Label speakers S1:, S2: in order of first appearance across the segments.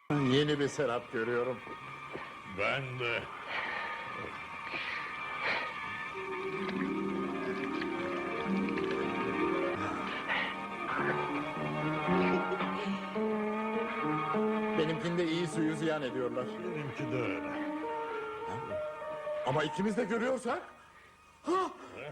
S1: Yeni bir Serap görüyorum.
S2: Ben de.
S1: Benimkinde iyi suyu ziyan ediyorlar.
S2: Benimki de öyle.
S1: Ama ikimiz de görüyorsak... Ha!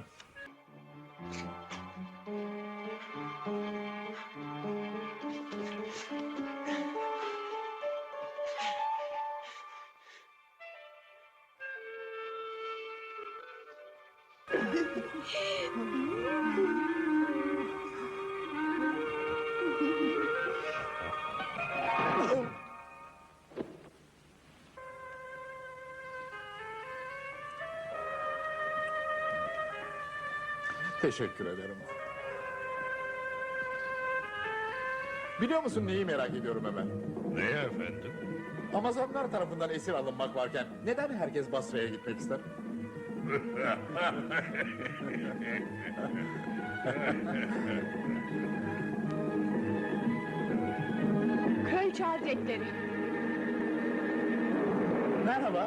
S1: Teşekkür ederim. Biliyor musun neyi merak ediyorum hemen?
S2: Neye efendim?
S1: Amazonlar tarafından esir alınmak varken neden herkes Basra'ya gitmek ister?
S3: Kraliçe Hazretleri.
S1: Merhaba.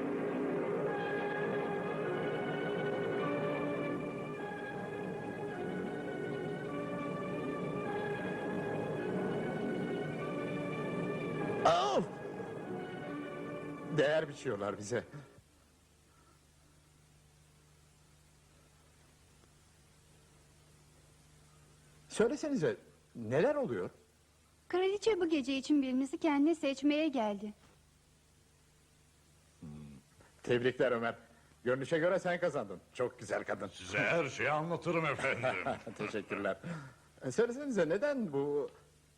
S1: Of! Değer biçiyorlar bize. Söylesenize neler oluyor?
S3: Kraliçe bu gece için birimizi kendine seçmeye geldi.
S1: Tebrikler Ömer. Görünüşe göre sen kazandın. Çok güzel kadın.
S2: Size her şeyi anlatırım efendim.
S1: Teşekkürler. Söylesenize neden bu...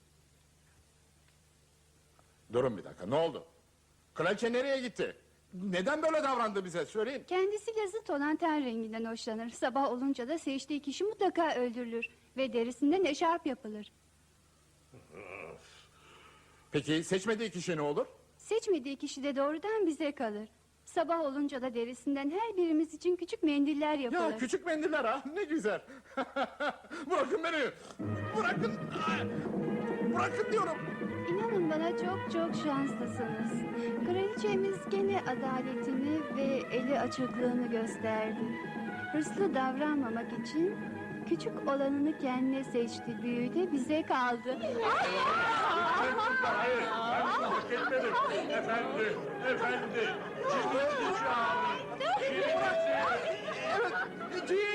S1: Durun bir dakika, ne oldu? Kraliçe nereye gitti? Neden böyle davrandı bize? Söyleyin.
S3: Kendisiyle zıt olan ten renginden hoşlanır. Sabah olunca da seçtiği kişi mutlaka öldürülür. Ve derisinden eşarp yapılır.
S1: Peki seçmediği kişi ne olur?
S3: Seçmediği kişi de doğrudan bize kalır. Sabah olunca da derisinden her birimiz için küçük mendiller yapılır.
S1: Ya küçük mendiller ha, ne güzel. Bırakın beni. Bırakın. Bırakın diyorum.
S3: İnanın bana çok çok şanslısınız. Kraliçemiz gene adaletini ve eli açıklığını gösterdi. Hırslı davranmamak için küçük olanını kendine seçti. Büyüğü de bize kaldı.
S2: Hayır, ben hak etmedim. Efendi, efendi. Ciddi şu an.
S1: Evet,